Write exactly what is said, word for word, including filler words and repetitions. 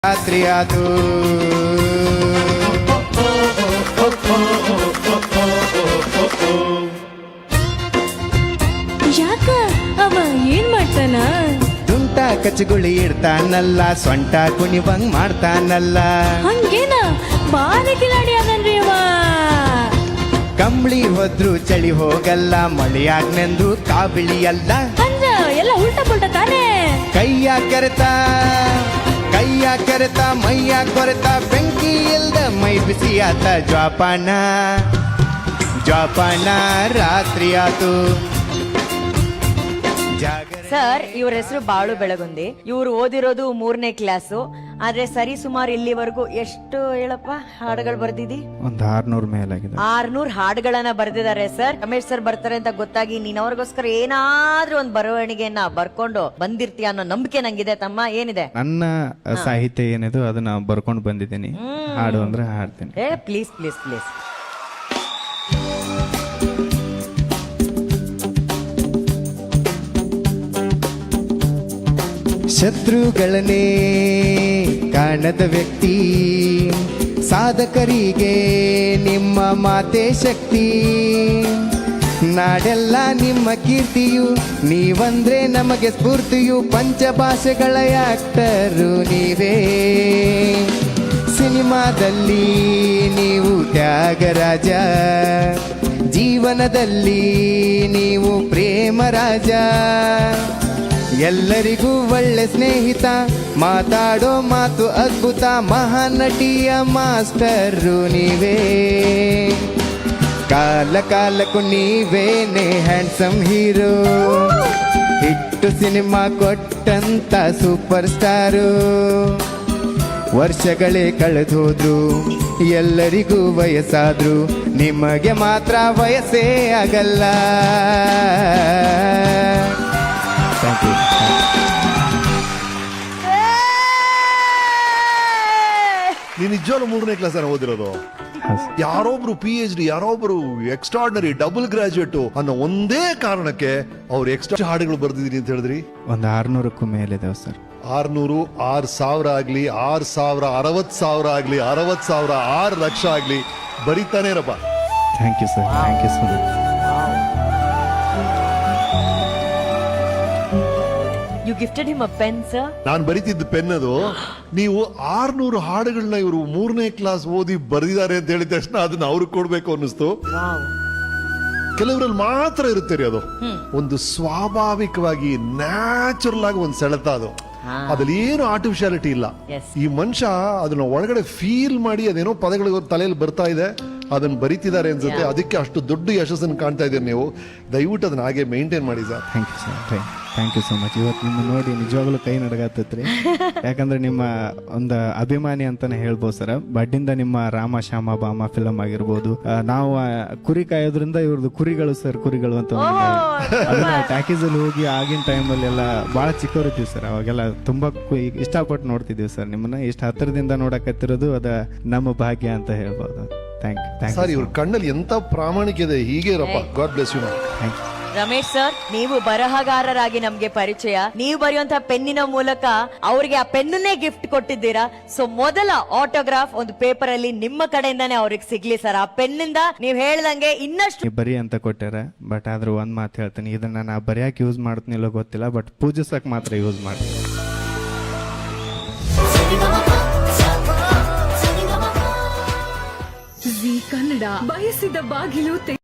ರಾತ್ರಿ ಆತು ಯಾಕ ಅವ ಏನ್ ಮಾಡ್ತಾನ? ತುಂಟ ಕಚ್ಚಗುಳಿ ಇಡ್ತಾನಲ್ಲ, ಸೊಂಟ ಕುಣಿವಂಗ್ ಮಾಡ್ತಾನಲ್ಲ. ಹಂಗೇನ ಬಾರಿ ಕಿಲಾಡಿ ಅದನ್ರಿ ಅವ. ಕಂಬಳಿ ಹೋದ್ರು ಚಳಿ ಹೋಗಲ್ಲ, ಮಳೆಯಾಗ್ನೆಂದು ಕಾಬಿಳಿಯಲ್ಲ. ಅಂದ್ರ ಎಲ್ಲ ಉಲ್ಟಾ ಪುಲ್ಟ ತಾನೇ. ಕೈಯ ಕೆರೆತ ಕೈಯ ಕೆರೆತ ಮೈಯ ಕೊರೆತ, ಬೆಂಕಿ ಇಲ್ದ ಮೈ ಬಿಸಿ ಆತ. ಜ್ವಾಪಾನ ಜ್ವಾಪಾನ ರಾತ್ರಿ ಆತು. ಸರ್, ಇವ್ರ ಹೆಸರು ಬಾಳು ಬೆಳಗುಂದಿ. ಇವ್ರು ಓದಿರೋದು ಮೂರನೇ ಕ್ಲಾಸು. ಆದ್ರೆ ಸರಿ ಸುಮಾರು ಇಲ್ಲಿವರೆಗೂ ಎಷ್ಟು ಹೇಳಪ್ಪ ಹಾಡುಗಳು ಬರ್ದಿದಿ? ಒಂದ್ ಆರ್ನೂರ್ ಮೇಲಾಗಿದೆ. ಆರ್ನೂರ್ ಹಾಡುಗಳನ್ನ ಬರ್ದಿದ್ದಾರೆ ಸರ್. ರಮೇಶ್ ಸರ್ ಬರ್ತಾರೆ ಅಂತ ಗೊತ್ತಾಗಿ ನೀನ್ ಅವ್ರಿಗೋಸ್ಕರ ಏನಾದ್ರೂ ಒಂದ್ ಬರವಣಿಗೆಯನ್ನ ಬರ್ಕೊಂಡು ಬಂದಿರ್ತೀಯ ಅನ್ನೋ ನಂಬಿಕೆ ನಂಗಿದೆ ತಮ್ಮ. ಏನಿದೆ ನನ್ನ ಸಾಹಿತ್ಯ ಏನಿದೆ ಅದನ್ನ ಬರ್ಕೊಂಡು ಬಂದಿದ್ದೀನಿ. ಹಾಡು ಅಂದ್ರೆ ಹಾಡ್ತೀನಿ. ಏ ಪ್ಲೀಸ್ ಪ್ಲೀಸ್ ಪ್ಲೀಸ್. ಶತ್ರುಗಳನ್ನೇ ಕಾಣದ ವ್ಯಕ್ತಿ, ಸಾಧಕರಿಗೆ ನಿಮ್ಮ ಮಾತೆ ಶಕ್ತಿ. ನಾಡೆಲ್ಲ ನಿಮ್ಮ ಕೀರ್ತಿಯು, ನೀವಂದ್ರೆ ನಮಗೆ ಸ್ಫೂರ್ತಿಯು. ಪಂಚಭಾಷೆಗಳ ಆಕ್ಟರು ನೀವೇ, ಸಿನಿಮಾದಲ್ಲಿ ನೀವು ತ್ಯಾಗರಾಜ, ಜೀವನದಲ್ಲಿ ನೀವು ಪ್ರೇಮ ರಾಜ. ಎಲ್ಲರಿಗೂ ಒಳ್ಳೆ ಸ್ನೇಹಿತ, ಮಾತಾಡೋ ಮಾತು ಅದ್ಭುತ. ಮಹಾನಟಿಯ ಮಾಸ್ಟರು ನೀವೇ, ಕಾಲ ಕಾಲಕ್ಕೂ ನೀವೇನೆ ಹ್ಯಾಂಡ್ಸಮ್ ಹೀರೋ. ಹಿಟ್ಟು ಸಿನಿಮಾ ಕೊಟ್ಟಂತ ಸೂಪರ್ ಸ್ಟಾರು. ವರ್ಷಗಳೇ ಕಳೆದೋದ್ರು, ಎಲ್ಲರಿಗೂ ವಯಸ್ಸಾದ್ರು, ನಿಮಗೆ ಮಾತ್ರ ವಯಸ್ಸೇ ಆಗಲ್ಲ. Thank you. ನೀನ್ ನಿಜವಾಗ್ಲೂ ಮೂರನೇ ಕ್ಲಾಸ್ ಅನ್ನ ಓದಿರೋದು? ಯಾರೊಬ್ರು ಪಿ ಎಚ್ ಡಿ, ಯಾರೊಬ್ರು ಎಕ್ಸ್ಟ್ರಾರ್ಡಿನರಿ ಡಬಲ್ ಗ್ರಾಜುಯೇಟ್ ಅನ್ನೋ ಒಂದೇ ಕಾರಣಕ್ಕೆ ಅವ್ರು ಎಕ್ಸ್ಟ್ರಾ ಹಾಡುಗಳು ಬರ್ದಿದೀನಿ ಅಂತ ಹೇಳಿದ್ರಿ. ಒಂದು ಆರ್ನೂರಕ್ಕೂ ಮೇಲಿದಾವೆ ಸರ್. ಆರ್ನೂರು, ಆರ್ ಸಾವಿರ ಆಗ್ಲಿ, ಆರ್ ಸಾವಿರ, ಅರವತ್ ಸಾವಿರ ಆಗ್ಲಿ, ಅರವತ್ ಸಾವಿರ, ಆರ್ ಲಕ್ಷ ಆಗ್ಲಿ, ಬರೀತಾನೆ ಇರಪ್ಪ. Thank you sir, thank you so much. You gifted him a pen sir. ನಾನ್ ಬರೀತಿದ್ದ ಪೆನ್ ಅದು. ನೀವು ಆರ್ನೂರು ಹಾಡುಗಳನ್ನ ಇವರು ಮೂರನೇ ಕ್ಲಾಸ್ ಓದಿ ಬರೆದಿದ್ದಾರೆ ಅಂತ ಹೇಳಿದ ತಕ್ಷಣ ಅದನ್ನ ಅವ್ರಿಗೆ ಕೊಡ್ಬೇಕು ಅನ್ನಿಸ್ತು. ಕೆಲವರಲ್ಲಿ ಮಾತ್ರ ಇರುತ್ತೆ ರೀ ಅದು, ಒಂದು ಸ್ವಾಭಾವಿಕವಾಗಿ ನ್ಯಾಚುರಲ್ ಆಗಿ ಒಂದು ಸೆಳೆತ ಅದು. ಅದ್ರಲ್ಲಿ ಏನು ಆರ್ಟಿಫಿಷಿಯಾಲಿಟಿ ಇಲ್ಲ. ಈ ಮನುಷ್ಯ ಅದನ್ನ ಒಳಗಡೆ ಫೀಲ್ ಮಾಡಿ ಅದೇನೋ ಪದಗಳು ತಲೆಯಲ್ಲಿ ಬರ್ತಾ ಇದೆ, ಅದನ್ನ ಬರೀತಿದ್ದಾರೆ ಅನ್ಸುತ್ತೆ. ಅದಕ್ಕೆ ಅಷ್ಟು ದೊಡ್ಡ ಯಶಸ್ಸನ್ನು ಕಾಣ್ತಾ ಇದ್ದೀರಿ ನೀವು. ದಯವಿಟ್ಟು ಅದನ್ನ ಹಾಗೆ ಮೇಂಟೈನ್ ಮಾಡಿ ಸರ್. Thank you sir, thank you so much. ಇವತ್ತು ನಿಮ್ಮ ನೋಡಿ ನಿಜವಾಗ್ಲೂ ಕೈ ನಡಗತ್ತೈತ್ರಿ. ಯಾಕಂದ್ರೆ ನಿಮ್ಮ ಒಂದು ಅಭಿಮಾನಿ ಅಂತಾನೆ ಹೇಳ್ಬೋದು ಸರ್. ಬಡ್ಡಿಂದ ನಿಮ್ಮ ರಾಮ ಶ್ಯಾಮ ಬಾಮ ಫಿಲಮ್ ಆಗಿರ್ಬೋದು, ನಾವು ಕುರಿ ಕಾಯೋದ್ರಿಂದ ಇವ್ರದ್ದು ಕುರಿಗಳು ಸರ್, ಕುರಿಗಳು ಅಂತ ಟ್ಯಾಕೀಸ್ ಅಲ್ಲಿ ಹೋಗಿ ಆಗಿನ ಟೈಮಲ್ಲಿ ಎಲ್ಲ ಬಹಳ ಚಿಕ್ಕವರಿದ್ದೀವಿ ಸರ್. ಅವಾಗೆಲ್ಲ ತುಂಬಾ ಇಷ್ಟಪಟ್ಟು ನೋಡ್ತಿದೀವಿ ಸರ್ ನಿಮ್ಮನ್ನ. ಇಷ್ಟು ಹತ್ತಿರದಿಂದ ನೋಡಕತ್ತಿರೋದು ಅದ ನಮ್ಮ ಭಾಗ್ಯ ಅಂತ ಹೇಳ್ಬೋದು. Thank you sir. ಇವ್ರ ಕಣ್ಣಲ್ಲಿ ಎಂತ ಪ್ರಾಮಾಣಿಕ ಇದೆ. ಹೀಗೆ ಇರಪ್ಪ. God bless you. Thank you. Ramesh sir, ನೀವು ಬರಹಗಾರರಾಗಿ ನಮ್ಗೆ ಪರಿಚಯ. ನೀವು ಬರೆಯುವಂತಹ ಪೆನ್ನಿನ ಮೂಲಕ ಅವ್ರಿಗೆ ಆ ಪೆನ್ನೇ ಗಿಫ್ಟ್ ಕೊಟ್ಟಿದ್ದೀರಾ. ಸೊ ಮೊದಲ ಆಟೋಗ್ರಾಫ್ ಒಂದು ಪೇಪರ್ ಅಲ್ಲಿ ನಿಮ್ಮ ಕಡೆಯಿಂದಾನೇ ಅವ್ರಿಗೆ ಸಿಗ್ಲಿ ಸರ್. ಆ ಪೆನ್ನಿಂದ ನೀವ್ ಹೇಳ್ದಂಗೆ ಇನ್ನಷ್ಟು ಬರಿ ಅಂತ ಕೊಟ್ಟಾರ. ಬಟ್ ಆದ್ರೂ ಒಂದ್ ಮಾತು ಹೇಳ್ತೀನಿ, ಇದನ್ನ ನಾ ಬರೆಯಕ್ ಯೂಸ್ ಮಾಡ್ತೀನಿಲ್ಲ ಗೊತ್ತಿಲ್ಲ, ಬಟ್ ಪೂಜಿಸಕ್ ಮಾತ್ರ ಯೂಸ್ ಮಾಡ್ತೀನಿ. ಜೀ ಕನ್ನಡ ಬಯಸಿದ ಬಾಗಿಲು